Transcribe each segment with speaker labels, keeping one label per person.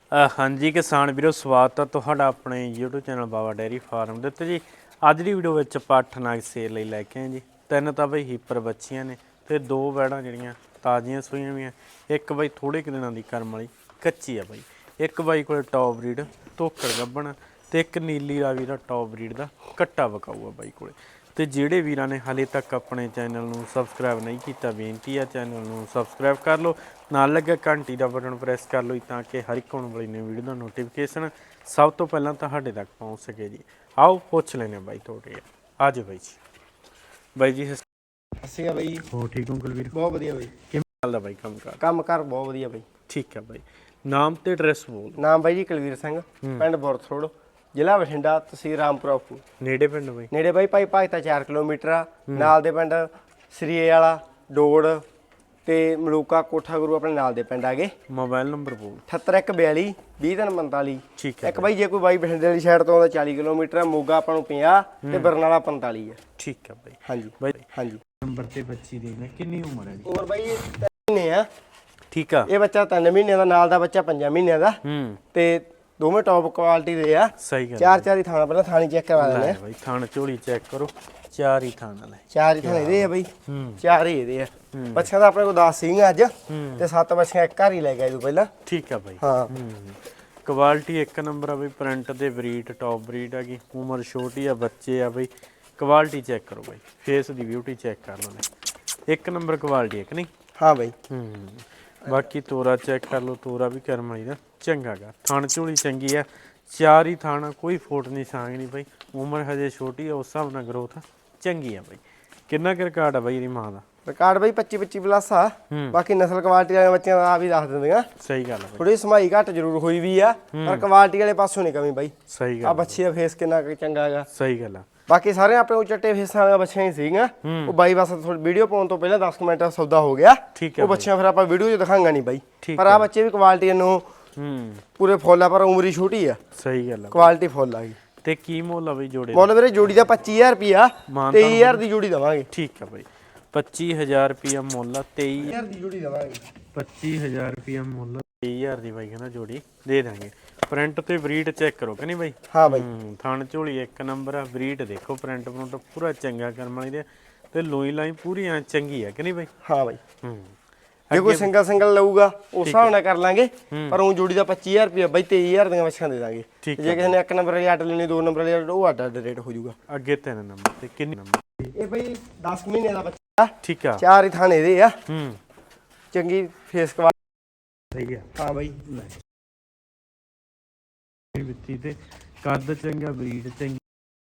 Speaker 1: हाँ जी किसान वीरो स्वागत है तुहाडा अपने YouTube channel Baba dairy farm ਦੇ ਉੱਤੇ ਜੀ। ਅੱਜ ਦੀ ਵੀਡੀਓ ਵਿੱਚ ਆਪਾਂ 8 ਨਾਗ ਸੇਲ ਲਈ ਲੈ ਕੇ ਆਏ ਜੀ। ਤਿੰਨ ਤਾਂ ਬਈ ਹੀਪਰ ਬੱਚੀਆਂ ਨੇ ਤੇ ਦੋ ਵੈੜਾਂ ਜਿਹੜੀਆਂ ਤਾਜ਼ੀਆਂ ਸੂਈਆਂ ਵੀਆਂ। ਇੱਕ ਬਈ ਥੋੜੇ ਕੁ ਦਿਨਾਂ ਦੀ ਕਰਮ ਵਾਲੀ ਕੱਚੀ ਆ ਬਈ। ਇੱਕ ਬਾਈ ਕੋਲ ਟੌਪ ਬਰੀਡ ਧੋਕੜ ਗੱਭਣ ਤੇ ਇੱਕ ਨੀਲੀ ਰਾਵੀ ਦਾ ਟੌਪ ਬਰੀਡ ਦਾ ਕੱਟਾ ਵਕਾਊ ਆ ਬਾਈ ਕੋਲੇ। ਤੇ ਜਿਹੜੇ ਵੀਰਾਂ ਨੇ ਹਾਲੇ ਤੱਕ ਆਪਣੇ ਚੈਨਲ ਨੂੰ ਸਬਸਕ੍ਰਾਈਬ ਨਹੀਂ ਕੀਤਾ ਬੇਨਤੀ ਆ ਚੈਨਲ ਨੂੰ ਸਬਸਕ੍ਰਾਈਬ ਕਰ ਲਓ, ਨਾਲ ਲੱਗਾ ਘੰਟੀ ਦਾ ਬਟਨ ਪ੍ਰੈਸ ਕਰ ਲਓ ਤਾਂ ਕਿ ਹਰ ਇੱਕ ਆਉਣ ਵਾਲੀ ਨਵੀਂ ਵੀਡੀਓ ਦਾ ਨੋਟੀਫਿਕੇਸ਼ਨ ਸਭ ਤੋਂ ਪਹਿਲਾਂ ਤੁਹਾਡੇ ਤੱਕ ਪਹੁੰਚ ਸਕੇ ਜੀ। ਆਓ ਪੁੱਛ ਲੈਣੇ ਬਾਈ ਤੁਹਾਡੇ ਆ ਜਾਓ ਬਾਈ ਜੀ। ਬਾਈ ਜੀ
Speaker 2: ਅਸੀਂ ਆ ਬਈ।
Speaker 1: ਹੋ ਠੀਕ ਹੋ ਕੁਲਵੀਰ?
Speaker 2: ਬਹੁਤ ਵਧੀਆ ਬਈ।
Speaker 1: ਕਿਵੇਂ ਚੱਲਦਾ ਬਾਈ
Speaker 2: ਕੰਮ ਕਰ ਬਹੁਤ ਵਧੀਆ ਬਈ।
Speaker 1: ਠੀਕ ਆ ਬਾਈ, ਨਾਮ ਤੇ ਐਡਰੈਸ ਬੋਲ।
Speaker 2: ਨਾਮ ਬਾਈ ਜੀ ਕੁਲਵੀਰ ਸਿੰਘ, ਪਿੰਡ ਬੁਰਥਰੋਡ, ਜ਼ਿਲ੍ਹਾ ਬਠਿੰਡਾ, ਤਹਿਸੀਲ ਰਾਮਪੁਰਾ।
Speaker 1: ਨੇੜੇ ਪਿੰਡ ਬਾਈ?
Speaker 2: ਨੇੜੇ ਬਾਈ ਭਾਈ ਭਗਤਾ 4 ਕਿਲੋਮੀਟਰ ਆ। ਨਾਲ ਦੇ ਪਿੰਡ ਸਰੀਏ ਵਾਲਾ, ਡੋੜ ਤੇ ਮਲੂਕਾ, ਕੋਠਾ ਗੁਰੂ ਆਪਣੇ ਨਾਲ ਦੇ ਪਿੰਡ ਆ ਗਏ।
Speaker 1: ਮੋਬਾਈਲ ਨੰਬਰ ਬੋਲ।
Speaker 2: 7842 20345।
Speaker 1: ਠੀਕ ਹੈ
Speaker 2: ਇੱਕ ਬਾਈ ਜੇ ਕੋਈ ਬਾਈ ਬਠਿੰਡੇ ਵਾਲੀ ਸਾਈਡ ਤੋਂ ਆਉਂਦਾ 40 ਕਿਲੋਮੀਟਰ ਆ। ਮੋਗਾ ਆਪਾਂ ਨੂੰ 50 ਤੇ ਬਰਨਾਲਾ 45 ਆ।
Speaker 1: ਠੀਕ ਆ ਬਾਈ।
Speaker 2: ਹਾਂਜੀ
Speaker 1: ਬਾਈ
Speaker 2: ਹਾਂਜੀ।
Speaker 1: ਨੰਬਰ ਤੇ ਬੱਚੀ ਦੀ ਕਿੰਨੀ ਉਮਰ ਹੈ ਜੀ?
Speaker 2: ਉਮਰ ਬਾਈ 3 ਮਹੀਨੇ ਆ।
Speaker 1: ਠੀਕ ਆ।
Speaker 2: ਇਹ ਬੱਚਾ 3 ਮਹੀਨਿਆਂ ਦਾ, ਨਾਲ ਦਾ ਬੱਚਾ 5 ਮਹੀਨਿਆਂ ਦਾ। ਤੇ ਦੋਵੇਂ ਟੌਪ ਕੁਆਲਿਟੀ ਦੇ ਆ।
Speaker 1: ਸਹੀ ਗੱਲ।
Speaker 2: ਚਾਰ ਹੀ ਥਾਣਾ, ਪਹਿਲਾਂ ਥਾਣੀ ਚੈੱਕ ਕਰਵਾ ਲੈਣੇ ਆ
Speaker 1: ਬਾਈ। ਥਾਣ ਝੋਲੀ ਚੈੱਕ ਕਰੋ, ਚਾਰ ਹੀ ਥਾਣ ਵਾਲੇ।
Speaker 2: ਚਾਰ ਹੀ ਥਾਣੇ ਇਹਦੇ ਆ ਬਾਈ। ਚਾਰ ਹੀ ਇਹਦੇ ਆ। ਬੱਚਿਆਂ ਦਾ ਆਪਣੇ ਕੋਲ 10 ਸੀਗੀਆਂ ਅੱਜ ਤੇ 7 ਬੱਚੀਆਂ ਇੱਕ ਘਰ ਹੀ ਲੈ ਗਏ ਤੂੰ ਪਹਿਲਾਂ।
Speaker 1: ਠੀਕ ਆ ਬਾਈ।
Speaker 2: ਹਾਂ
Speaker 1: ਕੁਆਲਿਟੀ ਇੱਕ ਨੰਬਰ ਆ ਬਈ। ਪ੍ਰਿੰਟ ਦੇ ਬਰੀਡ ਟੌਪ ਬਰੀਡ ਹੈਗੀ। ਉਮਰ ਛੋਟੀ ਆ, ਬੱਚੇ ਆ ਬਈ। ਕੁਆਲਿਟੀ ਚੈੱਕ ਕਰੋ ਬਾਈ, ਫੇਸ ਦੀ ਬਿਊਟੀ ਚੈੱਕ ਕਰ ਲਓ ਨੇ। ਇੱਕ ਨੰਬਰ ਕੁਆਲਿਟੀ ਇੱਕ ਨਹੀਂ?
Speaker 2: ਹਾਂ ਬਾਈ।
Speaker 1: ਬਾਕੀ ਤੋਰਾ ਚੈੱਕ ਕਰ ਲਓ, ਤੋਰਾ ਵੀ ਕਰਮ ਵਾਲੀ ਦਾ ਚੰਗਾ ਗਾ। ਥਣ ਝੋਲੀ ਚੰਗੀ ਆ, ਚਾਰ ਹੀ ਥਾਣਾ, ਕੋਈ ਫੋਟ ਨਹੀਂ ਸਾਂਗ ਨਹੀਂ ਬਾਈ। ਉਮਰ ਹਜੇ ਛੋਟੀ ਆ, ਉਸ ਹਿਸਾਬ ਨਾਲ ਗਰੋਥ ਚੰਗੀ ਆ ਬਾਈ। ਕਿੰਨਾ ਕੁ ਰਿਕਾਰਡ ਆ ਬਾਈ ਇਹਦੀ ਮਾਂ ਦਾ?
Speaker 2: ਰਿਕਾਰਡ ਬਾਈ 25 ਪਲੱਸ ਆ। ਬਾਕੀ ਨਸਲ ਕੁਆਲਿਟੀ ਵਾਲੇ ਬੱਚਿਆਂ ਦਾ ਆ ਵੀ ਦੱਸ ਦਿੰਦੀਆਂ।
Speaker 1: ਸਹੀ ਗੱਲ ਆ ਬਾਈ।
Speaker 2: ਥੋੜੀ ਸਮਾਈ ਘੱਟ ਜ਼ਰੂਰ ਹੋਈ ਵੀ ਆ, ਪਰ ਕੁਆਲਿਟੀ ਵਾਲੇ ਪਾਸੋਂ ਨਹੀਂ ਕਮੀ ਬਾਈ।
Speaker 1: ਸਹੀ ਗੱਲ
Speaker 2: ਆ ਬੱਚੀ ਦਾ ਫੇਸ ਕਿੰਨਾ ਚੰਗਾ ਹੈਗਾ।
Speaker 1: ਸਹੀ ਗੱਲ ਆ।
Speaker 2: ਬਾਕੀ ਸਾਰੇ ਆਪਣੇ ਕੋਲ ਚੱਟੇ ਫੇਸਾਂ ਵਾਲੀਆਂ ਬੱਚੀਆਂ ਹੀ ਸੀਗੀਆਂ। ਉਹ ਬਾਈ ਬਸ ਥੋੜੀ ਵੀਡੀਓ ਪਾਉਣ ਤੋਂ ਪਹਿਲਾਂ 10 ਮਿੰਟ ਸੌਦਾ ਹੋ ਗਿਆ। ਉਹ ਬੱਚਿਆਂ ਫਿਰ ਆਪਾਂ ਵੀਡੀਓ 'ਚ ਦਿਖਾਂਗਾ ਨਹੀਂ ਬਾਈ। ਪਰ ਆ ਬੱਚੇ ਵੀ ਕੁਆਲਿਟੀ ਨੂੰ ਪੂਰੇ ਫੁੱਲ ਆ, ਪਰ ਉਮਰ ਹੀ ਛੋਟੀ ਆ।
Speaker 1: ਸਹੀ ਗੱਲ ਆ।
Speaker 2: ਕੁਆਲਿਟੀ ਫੁੱਲ ਆ ਗਈ।
Speaker 1: ਤੇ ਕੀ ਮੁੱਲ ਆ ਬਈ ਜੋੜੇ?
Speaker 2: ਮੁੱਲ ਵੀਰੇ ਜੋੜੀ ਦਾ 25000 ਰੁਪਿਆ, 23000 ਦੀ ਜੋੜੀ ਦਵਾਂਗੇ।
Speaker 1: ਠੀਕ ਆ ਬਾਈ। 25000 ਰੁਪਿਆ ਮੁੱਲ ਆ,
Speaker 2: 23000 ਦੀ ਜੋੜੀ ਦਵਾਂਗੇ।
Speaker 1: 25000 ਰੁਪਿਆ ਮੁੱਲ, 23000 ਦੀ ਬਾਈ ਕਹਿੰਦਾ ਜੋੜੀ ਦੇ ਦਾਂਗੇ। ਪ੍ਰਿੰਟ ਤੇ ਬਰੀਡ ਚੈੱਕ ਕਰੋ ਕਿ ਨਹੀਂ ਬਾਈ?
Speaker 2: ਹਾਂ ਬਾਈ।
Speaker 1: ਥਣ ਝੋਲੀ ਇੱਕ ਨੰਬਰ ਆ। ਬਰੀਡ ਦੇਖੋ, ਪ੍ਰਿੰਟ ਪ੍ਰਿੰਟ ਪੂਰਾ ਚੰਗਾ ਕਰਮ ਵਾਲੀ ਦੇ ਤੇ ਲੋਈ ਲਾਈ ਪੂਰੀ ਐ ਚੰਗੀ ਆ ਕਿ ਨਹੀਂ ਬਾਈ?
Speaker 2: ਹਾਂ ਬਾਈ। ਜੇ ਕੋਈ ਸਿੰਗਲ ਲਊਗਾ ਉਸ ਹਿਸਾਬ ਨਾਲ ਕਰ ਲਾਂਗੇ, ਪਰ ਉਹ ਜੋੜੀ ਦਾ 25000 ਰੁਪਿਆ ਬਾਈ। 23000 ਦੀਆਂ ਬੱਚੀਆਂ ਦੇ ਦਾਂਗੇ। ਜੇ ਕਿਸੇ ਨੇ 1 ਨੰਬਰ ਵਾਲੀ ਅੱਡ ਲੈਣੀ, 2 ਨੰਬਰ ਵਾਲੀ ਉਹ ਅੱਡ ਰੇਟ ਹੋ ਜਾਊਗਾ।
Speaker 1: ਅੱਗੇ 3 ਨੰਬਰ ਤੇ ਕਿੰਨੇ ਨੰਬਰ?
Speaker 2: ਇਹ ਬਾਈ 10 ਮਹੀਨੇ ਦਾ ਬੱਚਾ।
Speaker 1: ਠੀਕ ਆ।
Speaker 2: ਚਾਰ ਹੀ ਥਾਣੇ ਦੇ ਆ। ਚੰਗੀ ਫੇਸ ਕੁਆਲਿਟੀ।
Speaker 1: ਸਹੀ ਆ।
Speaker 2: ਹਾਂ ਬਾਈ।
Speaker 1: ਵਿੱਤੀ ਤੇ ਕੱਦ ਚੰਗਾ, ਬਰੀਡ ਚੰਗੀ।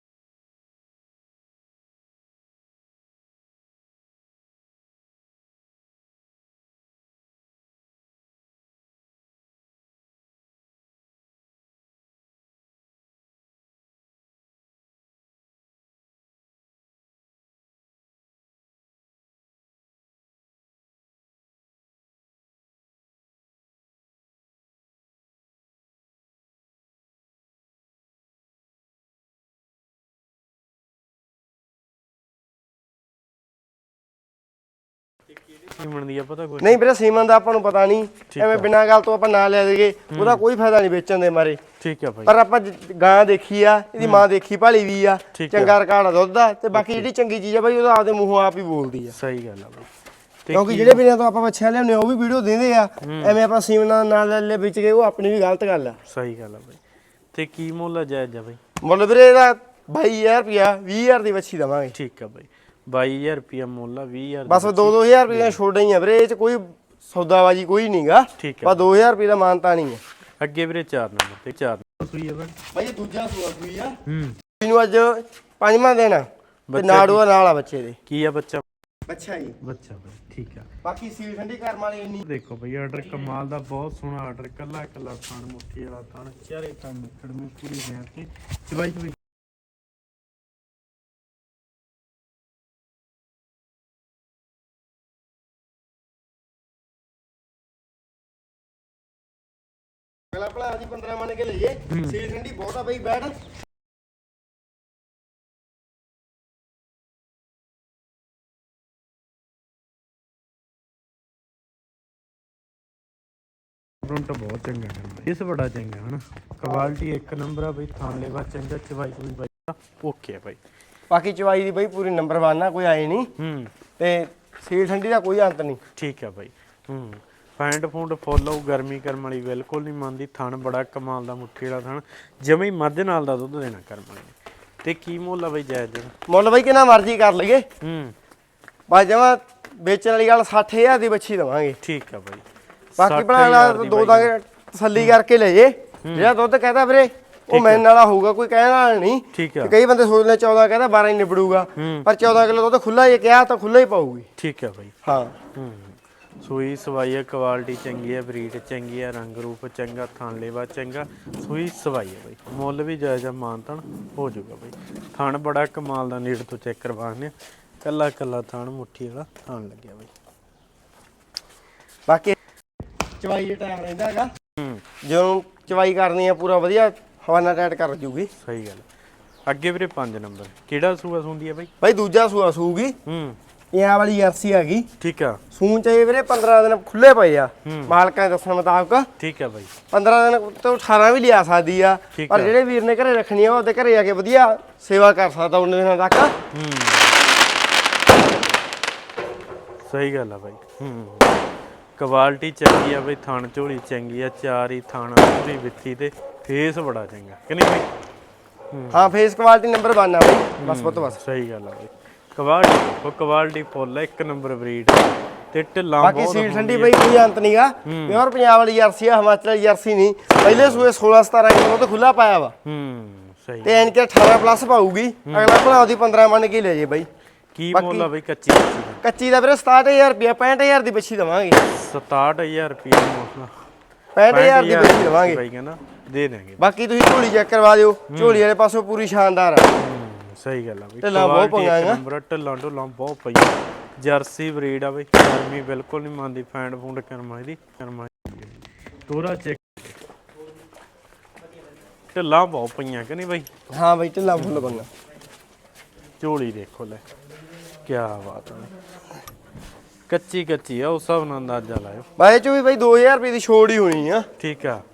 Speaker 1: ਸੀਮਨ ਦੀ ਆ ਪਤਾ ਕੋਈ?
Speaker 2: ਨਹੀਂ ਵੀਰੇ, ਸੀਮਨ ਦਾ ਆਪਾਂ ਨੂੰ ਪਤਾ ਨਹੀਂ। ਐਵੇਂ ਬਿਨਾਂ ਗੱਲ ਤੋਂ ਆਪਾਂ ਨਾ ਲੈ ਦੇਗੇ, ਉਹਦਾ ਕੋਈ ਫਾਇਦਾ ਨਹੀਂ ਵੇਚਣ ਦੇ ਮਾਰੇ।
Speaker 1: ਠੀਕ ਆ ਭਾਈ।
Speaker 2: ਪਰ ਆਪਾਂ ਗਾਂ ਦੇਖੀ ਆ, ਇਹਦੀ ਮਾਂ ਦੇਖੀ ਭਾਲੀ ਵੀ ਆ। ਚੰਗਾ ਰਿਕਾਰਡ ਆ ਦੁੱਧ ਦਾ। ਤੇ ਬਾਕੀ ਜਿਹੜੀ ਚੰਗੀ ਚੀਜ਼ ਆ ਬਾਈ, ਉਹਦਾ ਆਪਦੇ ਮੂੰਹੋਂ ਆਪ ਹੀ ਬੋਲਦੀ ਆ।
Speaker 1: ਸਹੀ ਗੱਲ ਆ ਬਾਈ।
Speaker 2: ਕਿਉਂਕਿ ਜਿਹੜੇ ਵੀਰਾਂ ਤੋਂ ਆਪਾਂ ਬੱਚਿਆਂ ਲਿਆਉਂਦੇ ਆ ਉਹ ਵੀ ਵੀਡੀਓ ਦਿੰਦੇ ਆ। ਐਵੇਂ ਆਪਾਂ ਸੀਮਨ ਨਾਲ ਲੈ ਵਿੱਚ ਗਏ, ਉਹ ਆਪਣੀ ਵੀ ਗਲਤ ਗੱਲ ਆ।
Speaker 1: ਸਹੀ ਗੱਲ ਆ ਬਾਈ। ਤੇ ਕੀ ਮੁੱਲ ਆ ਜਾਇਜ਼ ਆ ਬਾਈ?
Speaker 2: ਮੁੱਲ ਵੀਰੇ ਇਹਦਾ 22000 ਰੁਪਿਆ, 20000 ਦੀ ਬੱਚੀ ਦਵਾਂਗੇ।
Speaker 1: ਠੀਕ ਆ ਬਾਈ। 22000 ਰੁਪਿਆ ਮੁੱਲ ਆ, 20000
Speaker 2: ਬਸ 2-2000 ਰੁਪਏ ਛੋੜ ਹੀ ਆ ਵੀਰੇ। ਇਹ ਚ ਕੋਈ ਸੌਦਾਬਾਜੀ ਕੋਈ ਨਹੀਂਗਾ। ਬਸ 2000 ਰੁਪਏ ਦਾ ਮਾਨਤਾ ਨਹੀਂ ਆ।
Speaker 1: ਅੱਗੇ ਵੀਰੇ 4 ਨੰਬਰ ਤੇ 4 ਸੂਈ ਆ
Speaker 2: ਬਾਈ। ਇਹ ਦੂਜਾ ਸੂਆ ਸੂਈ ਆ। ਇਹਨੂੰ ਅੱਜ 5ਵਾਂ ਦਿਨ ਤੇ ਨਾੜੂਆ ਨਾਲ ਆ ਬੱਚੇ ਦੇ।
Speaker 1: ਕੀ ਆ ਬੱਚਾ?
Speaker 2: ਬੱਚਾ ਜੀ।
Speaker 1: ਬੱਚਾ ਬਾਈ। ਠੀਕ ਆ।
Speaker 2: ਬਾਕੀ ਸੀਲ ਠੰਡੀ ਕਰਮ ਵਾਲੀ ਇੰਨੀ
Speaker 1: ਦੇਖੋ ਬਈ ਆਰਡਰ ਕਮਾਲ ਦਾ, ਬਹੁਤ ਸੋਹਣਾ ਆਰਡਰ। ਕੱਲਾ ਕੱਲਾ ਥਣ, ਮੁੱਠੀ ਵਾਲਾ ਥਣ, ਚਾਰੇ ਥਣ ਨਿਕੜਵੇਂ ਪੂਰੀ ਹੈ ਤੇ ਚਵਾਈ ਚਵਾਈ।
Speaker 2: ਅਗਲਾ ਭਲਾ ਜੀ 15 ਮੰਨ ਕੇ ਲਈਏ। ਸੀਲ ਠੰਡੀ ਬਹੁਤ ਆ ਬਈ। ਬੈਠ
Speaker 1: ਪ੍ਰਿੰਟ ਬਹੁਤ ਚੰਗਾ ਹੈ, ਇਸ ਬੜਾ ਚੰਗਾ ਹਨਾ, ਕੁਆਲਿਟੀ ਇੱਕ ਨੰਬਰ ਆ ਬਈ, ਥਾਂ ਲੈਵਾ ਚੰਗਾ, ਚਵਾਈ ਕੋਈ ਬਾਈ ਓਕੇ ਆ ਬਾਈ।
Speaker 2: ਬਾਕੀ ਚਵਾਈ ਦੀ ਬਈ ਪੂਰੀ ਨੰਬਰ 1 ਆ, ਕੋਈ ਆਏ ਨਹੀਂ ਤੇ ਸੀਲ ਠੰਡੀ ਦਾ ਕੋਈ ਅੰਤ ਨਹੀਂ।
Speaker 1: ਠੀਕ ਆ ਬਾਈ। ਫੈਂਡ ਫੂਡ ਫੁੱਲ ਆਊ, ਗਰਮੀ ਕਰਮ ਵਾਲੀ ਬਿਲਕੁਲ ਨਹੀਂ ਮੰਨਦੀ, ਥਣ ਬੜਾ ਕਮਾਲ ਦਾ, ਮੁੱਠੀ ਵਾਲਾ ਥਣ, ਜਮੇ ਹੀ ਮੱਝ ਨਾਲ ਦਾ ਦੁੱਧ ਦੇਣਾ ਕਰਮ ਵਾਲੀ। ਤੇ ਕੀ ਮੁੱਲ ਆ ਬਈ ਜਾਇਜ਼ ਦੇਣਾ?
Speaker 2: ਮੁੱਲ ਬਈ ਕਿੰਨਾ ਮਰਜ਼ੀ ਕਰ ਲਈਏ, ਬਸ ਜਮਾ ਵੇਚਣ ਵਾਲੀ ਗੱਲ 60000 ਦੀ ਬੱਚੀ ਦਵਾਂਗੇ। ਠੀਕ
Speaker 1: ਆ ਬਾਈ।
Speaker 2: ਬਾਕੀ ਬਣਾ ਦੋ ਦਾਂਗੇ, ਤਸੱਲੀ ਕਰਕੇ ਲੈ ਜੇ, ਜਿਹੜਾ ਦੁੱਧ ਕਹਦਾ ਵੀਰੇ ਉਹ ਮੈਨ ਵਾਲਾ ਹੋਊਗਾ, ਕੋਈ ਕਹਿਣ ਵਾਲਾ ਨਹੀਂ। ਕਈ ਬੰਦੇ ਸੋਚਦੇ 14 ਕਹਿੰਦਾ 12 ਹੀ ਨਿਬੜੂਗਾ, ਪਰ 14 ਕਿਲੋ ਦੁੱਧ ਖੁੱਲਾ ਹੀ ਕਿਹਾ ਤਾਂ ਖੁੱਲਾ ਹੀ ਪਾਊਗੀ।
Speaker 1: ਠੀਕ ਆ ਬਾਈ।
Speaker 2: ਹਾਂ
Speaker 1: ਸੂਈ ਸਵਾਈ ਹੈ, ਕੁਆਲਿਟੀ ਚੰਗੀ ਹੈ, ਬਰੀਡ ਚੰਗੀ ਹੈ, ਰੰਗ ਰੂਪ ਚੰਗਾ, ਥਣ ਲੇਵਾ ਚੰਗਾ, ਸੂਈ ਸਵਾਈ ਹੈ ਬਾਈ। ਮੁੱਲ ਵੀ ਜਾਇਜ਼ ਮਾਨਤਨ ਹੋ ਜਾਊਗਾ ਬਾਈ। ਥਣ ਬੜਾ ਕਮਾਲ ਦਾ, ਨੀੜ ਤੋਂ ਚੈੱਕ ਕਰਵਾਉਂਦੇ, ਕੱਲਾ ਕੱਲਾ ਥਣ, ਮੁੱਠੀ ਵਾਲਾ ਥਣ ਲੱਗਿਆ ਬਾਈ।
Speaker 2: ਬਾਕੀ ਚਵਾਈ ਦੇ ਟਾਈਮ ਰਹਿੰਦਾ ਹੈਗਾ, ਜਦੋਂ ਚਵਾਈ ਕਰਨੀ ਆ ਪੂਰਾ ਵਧੀਆ ਹਵਾਨਾ ਟਾਈਟ ਕਰ ਜੂਗੀ।
Speaker 1: ਸਹੀ ਗੱਲ। ਅੱਗੇ ਵੀਰੇ 5 ਨੰਬਰ ਕਿਹੜਾ ਸੂਆ ਸੁੰਦੀ ਹੈ ਬਾਈ?
Speaker 2: ਬਾਈ ਦੂਜਾ ਸੂਆ ਸੂਗੀ, ਇਹ ਵਾਲੀ ਜਰਸੀ ਹੈਗੀ।
Speaker 1: ਠੀਕ ਆ।
Speaker 2: ਸੂਣ ਚਾਹੀਏ ਵੀਰੇ 15 ਦਿਨ ਖੁੱਲੇ ਪਏ ਆ ਮਾਲਕਾਂ ਦੇ ਦੱਸਣ ਮੁਤਾਬਕ।
Speaker 1: ਠੀਕ ਆ ਬਾਈ।
Speaker 2: 15 ਦਿਨ ਤੋਂ 18 ਵੀ ਲਿਆ ਸਕਦੀ ਆ, ਪਰ ਜਿਹੜੇ ਵੀਰ ਨੇ ਘਰੇ ਰੱਖਣੀ ਆ ਉਹਦੇ ਘਰੇ ਆ ਕੇ ਵਧੀਆ ਸੇਵਾ ਕਰ ਸਕਦਾ ਉਹਨੇ ਦਿਨਾਂ ਤੱਕ।
Speaker 1: ਸਹੀ ਗੱਲ ਆ ਬਾਈ। ਕੁਆਲਿਟੀ ਚੰਗੀ ਆ ਬਈ, ਥਣ ਝੋਲੀ ਚੰਗੀ ਆ, ਚਾਰੀ ਥਣ ਪੂਰੀ ਵਿੱਥੀ ਤੇ ਫੇਸ ਬੜਾ ਚੰਗਾ ਕਿ ਨਹੀਂ ਬਾਈ?
Speaker 2: ਹਾਂ ਫੇਸ ਕੁਆਲਿਟੀ ਨੰਬਰ 1 ਆ ਬਾਈ, ਬਸ ਪੁੱਤ ਬਸ।
Speaker 1: ਸਹੀ ਗੱਲ ਆ ਬਾਈ। ਕੁਆਲਿਟੀ ਫੁੱਲ ਆ, ਇੱਕ ਨੰਬਰ ਬਰੀਡ ਤੇ ਢਿੱਲਾਂ ਬਹੁਤ।
Speaker 2: ਬਾਕੀ ਸੀਲ ਠੰਡੀ ਬਾਈ ਕੋਈ ਅੰਤ ਨਹੀਂਗਾ, ਪਿਓਰ ਪੰਜਾਬ ਵਾਲੀ ਜਰਸੀ ਆ, ਹਿਮਾਚਲ ਵਾਲੀ ਜਰਸੀ ਨਹੀਂ। ਪਹਿਲੇ ਸੂਏ 16-17 ਕਿਲੋ ਤੋਂ ਖੁੱਲਾ ਪਾਇਆ ਵਾ।
Speaker 1: ਸਹੀ।
Speaker 2: ਤੇ ਐਨ ਕੇ 18 ਪਲੱਸ ਪਾਊਗੀ, ਅਗਲਾ ਭਰਾ ਉਹਦੀ 15 ਮੰਨ ਕੇ ਲੈ ਜੇ ਬਾਈ।
Speaker 1: ਕੀ ਮੁੱਲ ਆ ਬਈ ਕੱਚੀ?
Speaker 2: ਕੱਚੀ ਦਾ ਵੀਰੇ 67000 ਰੁਪਿਆ, 65000 ਦੀ ਬੱਚੀ ਦਵਾਂਗੇ।
Speaker 1: 67000 ਰੁਪਿਆ ਮੁੱਲ,
Speaker 2: 65000 ਦੀ ਬੱਚੀ ਦਵਾਂਗੇ
Speaker 1: ਬਾਈ ਕਹਿੰਦਾ ਦੇ ਦੇਣਗੇ।
Speaker 2: ਬਾਕੀ ਤੁਸੀਂ ਝੋਲੀ ਚੈੱਕ ਕਰਵਾ ਦਿਓ, ਝੋਲੀ ਵਾਲੇ ਪਾਸੋਂ ਪੂਰੀ ਸ਼ਾਨਦਾਰ ਆ।
Speaker 1: ਸਹੀ ਗੱਲ ਆ ਬਈ।
Speaker 2: ਢਿੱਲਾਂ ਬਹੁਤ ਪਈਆਂ ਆ,
Speaker 1: ਨੰਬਰ ਢਿੱਲਾਂ ਢੁੱਲਾਂ ਬਹੁਤ ਪਈਆਂ। ਜਰਸੀ ਬਰੀਡ ਆ ਬਈ, ਗਰਮੀ ਬਿਲਕੁਲ ਨਹੀਂ ਮੰਨਦੀ, ਫੈਂਡ ਫੂੰਡ ਕਰਮਾ ਇਹਦੀ ਕਰਮਾ। ਤੋਰਾ ਚੈੱਕ, ਢਿੱਲਾਂ ਬਹੁਤ ਪਈਆਂ ਕਿ ਨਹੀਂ ਬਾਈ?
Speaker 2: ਹਾਂ ਬਾਈ ਢਿੱਲਾਂ ਫੁੱਲ ਬੰਗਾ।
Speaker 1: ਝੋਲੀ ਦੇਖੋ ਲੈ, ਕੀ ਬਾਤ ਹੈ। ਕੱਚੀ ਕੱਚੀ ਆ, ਉਸ ਹਿਸਾਬ ਨਾਲ ਅੰਦਾਜ਼ਾ ਲਾਇਓ।
Speaker 2: ਬਾਈ ਚੋਂ ਵੀ ਬਾਈ 2000 ਰੁਪਏ ਦੀ ਛੋੜ ਹੀ ਹੋਣੀ ਆ।
Speaker 1: ਠੀਕ ਆ।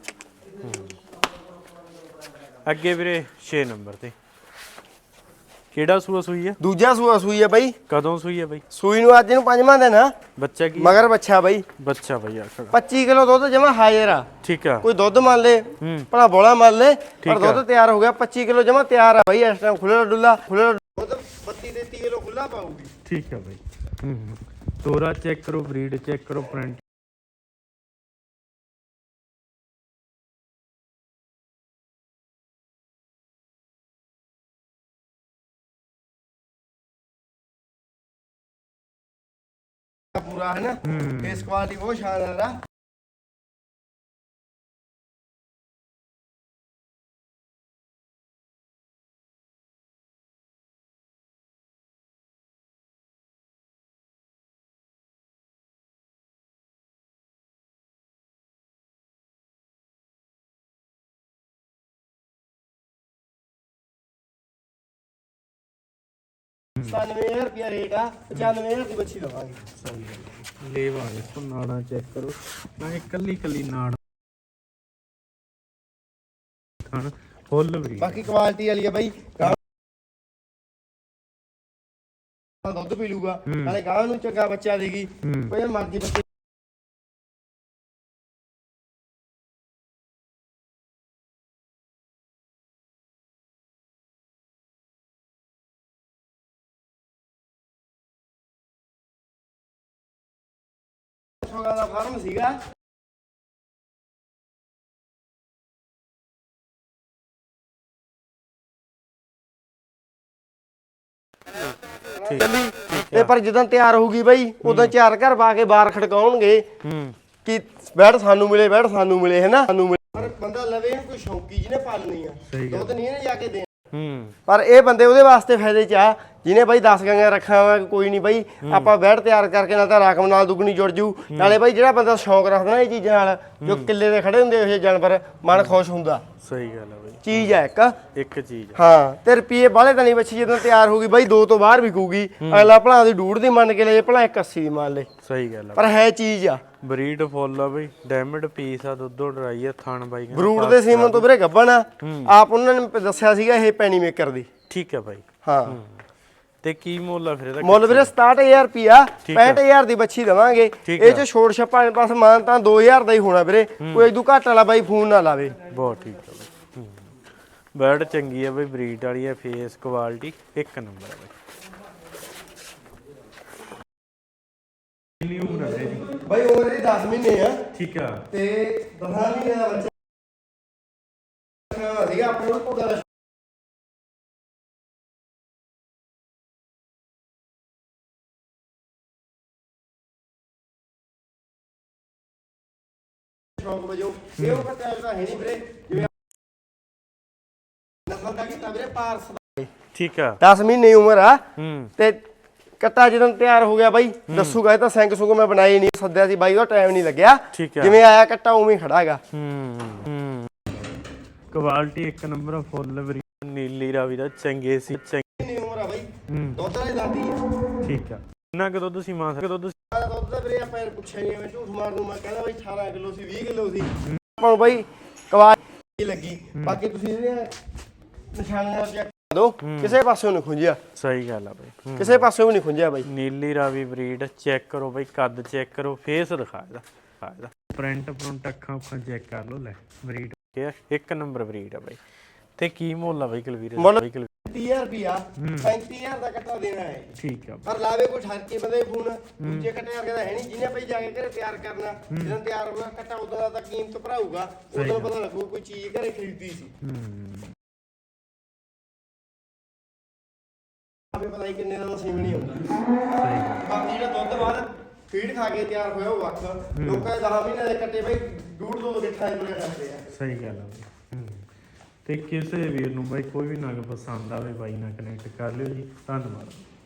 Speaker 1: ਅੱਗੇ ਵੀਰੇ 6 ਨੰਬਰ ਤੇ ਕਿਹੜਾ ਸੂਆ ਸੂਈ ਆ?
Speaker 2: ਦੂਜਾ ਸੂਆ ਸੂਈ ਆ ਬਾਈ।
Speaker 1: ਕਦੋਂ ਸੂਈ ਆ ਬਾਈ?
Speaker 2: ਸੂਈ ਨੂੰ ਅੱਜ ਨੂੰ 5ਵਾਂ ਦਿਨ ਆ।
Speaker 1: ਬੱਚਾ ਕੀ?
Speaker 2: ਮਗਰ ਬੱਚਾ ਬਾਈ।
Speaker 1: ਬੱਚਾ ਬਾਈ ਆਖੜਾ
Speaker 2: 25 ਕਿਲੋ ਦੁੱਧ ਜਮਾ ਹਾਜ਼ਰ ਆ।
Speaker 1: ਠੀਕ ਆ।
Speaker 2: ਕੋਈ ਦੁੱਧ ਮੰਨ ਲੈ, ਭਲਾ ਬੋਲਾ ਮੰਨ ਲੈ, ਪਰ ਦੁੱਧ ਤਿਆਰ ਹੋ ਗਿਆ। 25 ਕਿਲੋ ਜਮਾ ਤਿਆਰ ਆ ਬਾਈ। ਇਸ ਟਾਈਮ ਖੁੱਲਾ ਡੁੱਲਾ ਦੁੱਧ 32-33 ਕਿਲੋ ਖੁੱਲਾ ਪਾਊਗੀ।
Speaker 1: ਠੀਕ ਆ ਬਾਈ। ਤੋਰਾ ਚੈੱਕ ਕਰੋ, ਬਰੀਡ ਚੈੱਕ ਕਰੋ, ਪ੍ਰਿੰਟ
Speaker 2: ਪੂਰਾ ਹੈ ਨਾ। ਫੇਸ ਕੁਆਲਿਟੀ ਬਹੁਤ ਸ਼ਾਨਦਾਰ ਆ। ₹97,000 ਰੇਟ ਆ, 95,000 ਦੀ ਬੱਚੀ ਦਵਾਂਗੇ।
Speaker 1: ਲੇਵਾ ਇਸ ਨਾੜਾਂ ਚੈੱਕ ਕਰੋ, ਨਾ ਇਕੱਲੀ ਇਕੱਲੀ ਨਾੜ ਖਾਣ ਫੁੱਲ ਬਰੀ।
Speaker 2: ਬਾਕੀ ਕੁਆਲਿਟੀ ਵਾਲੀ ਆ ਬਾਈ, ਦੁੱਧ ਪੀ ਲੂਗਾ ਨਾਲੇ ਗਾਂ ਨੂੰ ਚੰਗਾ ਬੱਚਾ ਦੇਗੀ। ਕੋਈ ਮਰਜ਼ੀ ਬੱਚੇ ਦਾ ਫਾਰਮ ਸੀਗਾ। ਤੇ ਪਰ ਜਦੋਂ ਤਿਆਰ ਹੋਊਗੀ ਬਾਈ, ਉਦੋਂ 4 ਘਰ ਪਾ ਕੇ ਬਾਹਰ ਖੜਕਾਉਣਗੇ ਕਿ ਬੈਠ ਸਾਨੂੰ ਮਿਲੇ, ਬੈਠ ਸਾਨੂੰ ਮਿਲੇ, ਹੈ ਨਾ। ਪਰ ਬੰਦਾ ਲਵੇ ਇਹਨੂੰ ਕੋਈ ਸ਼ੌਂਕੀ ਜਿਹਨੇ ਪਾਲਣੀ ਆ, ਦੁੱਧ ਨਹੀਂ ਇਹਨੇ ਜਾ ਕੇ ਦੇਣਾ। ਪਰ ਇਹ ਬੰਦੇ ਉਹਦੇ ਵਾਸਤੇ ਫਾਇਦੇ ਚ ਆ ਜਿਹਨੇ ਬਾਈ 10 ਗਾਂਆਂ ਰੱਖਿਆ ਹੋਇਆ ਕੋਈ ਨਹੀਂ ਬਾਈ ਆਪਾਂ ਬੈਡ ਤਿਆਰ ਕਰਕੇ ਨਾਲ ਤਾਂ ਰਕਮ ਨਾਲ ਦੁੱਗਣੀ ਜੁੜ ਜੂ ਨਾਲੇ ਬਾਈ ਜਿਹੜਾ ਬੰਦਾ ਸ਼ੌਂਕ ਰੱਖਦਾ ਨਾ ਇਹ ਚੀਜ਼ਾਂ ਨਾਲ ਜੋ ਕਿੱਲੇ ਦੇ ਖੜੇ ਹੁੰਦੇ ਇਹ ਜਾਨਵਰ ਮਨ ਖੁਸ਼ ਹੁੰਦਾ।
Speaker 1: ਸਹੀ ਗੱਲ ਆ ਬਾਈ,
Speaker 2: ਚੀਜ਼ ਹੈ
Speaker 1: ਇੱਕ ਚੀਜ਼
Speaker 2: ਹਾਂ। ਤੇ ਰੁਪਏ ਬਾਹਲੇ ਤਾਂ ਨਹੀਂ ਬੱਚੀ ਜਦੋਂ ਤਿਆਰ ਹੋ ਗਈ ਬਾਈ 2 ਤੋਂ ਬਾਹਰ ਵਿਕੂਗੀ। ਅਗਲਾ ਭਲਾ ਦੀ 1.5 ਦੀ ਮੰਨ ਕੇ ਲੈ ਭਲਾ 180 ਦੀ ਮੰਨ ਲੈ।
Speaker 1: ਸਹੀ ਗੱਲ ਆ
Speaker 2: ਪਰ ਹੈ ਚੀਜ਼ ਆ
Speaker 1: ਬਰੀਡ ਫੁੱਲ ਆ ਬਈ, ਡੈਮਡ ਪੀਸ ਆ, ਦੁੱਧੋਂ ਡਰਾਈ ਆ, ਥਣ ਬਾਈ
Speaker 2: ਬਰੂਡ ਦੇ ਸੀਮਨ ਤੋਂ ਵੀਰੇ ਗੱਭਣ ਆ। ਆਪ ਉਹਨਾਂ ਨੇ ਦੱਸਿਆ ਸੀਗਾ ਇਹ ਪੈਣੀ ਮੇਕਰ ਦੀ।
Speaker 1: ਠੀਕ ਹੈ ਬਾਈ।
Speaker 2: ਹਾਂ
Speaker 1: ਤੇ ਕੀ ਮੁੱਲ ਆ ਫਿਰ ਇਹਦਾ?
Speaker 2: ਮੁੱਲ ਵੀਰੇ 67000 ਰੁਪਿਆ 65000 ਦੀ ਬੱਚੀ ਦਵਾਂਗੇ। ਇਹ ਚ ਛੋੜ ਛੱਪਾ ਬਸ ਮਾਨ ਤਾਂ 2000 ਦਾ ਹੀ ਹੋਣਾ ਵੀਰੇ, ਕੋਈ ਇਦੋਂ ਘੱਟ ਵਾਲਾ ਬਾਈ ਫੋਨ ਨਾ ਲਾਵੇ।
Speaker 1: ਬਹੁਤ ਠੀਕ ਆ ਬਾਈ, ਬਰਡ ਚੰਗੀ ਆ ਬਾਈ, ਬਰੀਡ ਵਾਲੀ ਆ, ਫੇਸ ਕੁਆਲਿਟੀ ਇੱਕ ਨੰਬਰ ਆ ਬਾਈ। ਕਿੰਨੀ ਉਮਰ ਹੈ ਜੀ
Speaker 2: ਬਾਈ? ਉਮਰ ਦੀ 10 ਮਹੀਨੇ ਆ।
Speaker 1: ਠੀਕ ਆ।
Speaker 2: ਤੇ 10 ਮਹੀਨੇ ਦਾ ਬੱਚਾ ਸੀਗਾ ਆਪਣੇ ਕੋਲ ਕੋਦਾ ਸ਼ੌਂਕ ਵਜੋਂ ਇਹ ਉਹ ਕੱਟਿਆ ਤਾਂ ਹੈ ਨਹੀਂ ਵੀਰੇ, ਜਿਵੇਂ ਨਸਲ ਦਾ ਕੀਤਾ ਵੀਰੇ ਪਾਰਸ ਦਾ।
Speaker 1: ਠੀਕ ਆ।
Speaker 2: 10 ਮਹੀਨੇ ਉਮਰ ਆ। ਤੇ ਕੱਟਾ ਜਦੋਂ ਤਿਆਰ ਹੋ ਗਿਆ ਬਾਈ ਦੱਸੂਗਾ। ਇਹ ਤਾਂ ਸੈਂਕ ਸੁੰਗ ਮੈਂ ਬਣਾਈ ਨਹੀਂ, ਸੱਦਿਆ ਸੀ ਬਾਈ, ਉਹਦਾ ਟਾਈਮ ਨਹੀਂ ਲੱਗਿਆ। ਜਿਵੇਂ ਆਇਆ ਕੱਟਾ ਉਵੇਂ ਹੀ ਖੜਾ ਹੈਗਾ।
Speaker 1: ਕੁਆਲਿਟੀ ਇੱਕ ਨੰਬਰ ਫੁੱਲ ਬਰੀਡ, ਨੀਲੀ ਰਾਵੀ ਦਾ ਚੰਗੇ ਸੀ।
Speaker 2: ਚੰਗੀ ਉਮਰ ਆ ਬਾਈ, ਦੁੱਧ ਵਾਲੀ ਦਾਦੀ ਆ।
Speaker 1: ਠੀਕ ਆ। ਕਿੰਨਾ ਕੁ ਦੁੱਧ ਸੀ ਮਾਂ ਦਾ? ਦੁੱਧ
Speaker 2: ਤਾਂ ਵੀਰੇ ਆਪਾਂ ਪੁੱਛਿਆ ਨਹੀਂ, ਮੈਂ ਝੂਠ ਮਾਰ ਦੂੰ। ਮੈਂ ਕਹਿੰਦਾ ਬਾਈ 18 ਕਿਲੋ ਸੀ, 20 ਕਿਲੋ ਸੀ। ਆਪਾਂ ਨੂੰ ਬਾਈ ਕੁਆਲਿਟੀ ਲੱਗੀ। ਬਾਕੀ ਤੁਸੀਂ ਇਹਦੀਆਂ ਨਿਸ਼ਾਨੀਆਂ ਚੈੱਕ ਦੋ, ਕਿਸੇ ਪਾਸਿਓਂ ਨਹੀਂ ਖੁੰਝਿਆ।
Speaker 1: ਸਹੀ ਗੱਲ ਆ ਬਾਈ,
Speaker 2: ਕਿਸੇ ਪਾਸਿਓਂ ਵੀ ਨਹੀਂ ਖੁੰਝਿਆ ਬਾਈ।
Speaker 1: ਨੀਲੀ ਰਾਵੀ ਬਰੀਡ ਚੈੱਕ ਕਰੋ ਬਾਈ, ਕੱਦ ਚੈੱਕ ਕਰੋ, ਫੇਸ ਦਿਖਾ ਇਹਦਾ, ਪ੍ਰਿੰਟ ਅੱਖਾਂ ਚੈੱਕ ਕਰ ਲਓ। ਲੈ ਬਰੀਡ ਇੱਕ ਨੰਬਰ ਬਰੀਡ ਆ ਬਾਈ। ਤੇ ਕੀ ਮੁੱਲ ਆ ਬਾਈ ਕੁਲਵੀਰ?
Speaker 2: 30000 ਰੁਪਿਆ 35000 ਦਾ ਕੱਟਾ ਦੇਣਾ ਹੈ।
Speaker 1: ਠੀਕ ਆ।
Speaker 2: ਪਰ ਲਾਵੇ ਕੋਈ ਠਰਕੇ ਬੰਦੇ ਫੋਨ ਦੂਜੇ ਕੱਟੇ ਵਰਗੇ ਦਾ ਹੈ ਨਹੀਂ, ਜਿਹਨੇ ਭਾਈ ਜਾ ਕੇ ਘਰੇ ਤਿਆਰ ਕਰਨਾ। ਜਦੋਂ ਤਿਆਰ ਹੋਊਗਾ ਕੱਟਾ ਉਦੋਂ ਦਾ ਤਾਂ ਕੀਮਤ ਭਰਾਊਗਾ, ਉਦੋਂ ਪਤਾ ਲੱਗੂ ਕੋਈ ਚੀਜ਼ ਘਰੇ ਖਰੀਦੀ ਸੀ। ਆਪੇ ਪਤਾ ਹੀ ਕਿੰਨੇ ਦਾ ਨਸੀਬ ਨਹੀਂ ਹੁੰਦਾ। ਬਾਕੀ ਜਿਹੜਾ ਦੁੱਧ ਬਾਅਦ ਫੀਡ ਖਾ ਕੇ ਤਿਆਰ ਹੋਇਆ ਉਹ ਵੱਖ। ਲੋਕਾਂ ਦੇ 10 ਮਹੀਨੇ ਦੇ ਕੱਟੇ ਬਾਈ 1.5-2 ਗਿੱਠਾਂ ਦੇ ਕਰਦੇ ਆ।
Speaker 1: ਸਹੀ ਗੱਲ ਆ। ਤੇ ਕਿਸੇ ਵੀਰ ਨੂੰ ਬਾਈ ਕੋਈ ਵੀ ਨਗ ਪਸੰਦ ਆਵੇ ਬਾਈ ਨਾਲ ਕਨੈਕਟ ਕਰ ਲਿਓ ਜੀ। ਧੰਨਵਾਦ।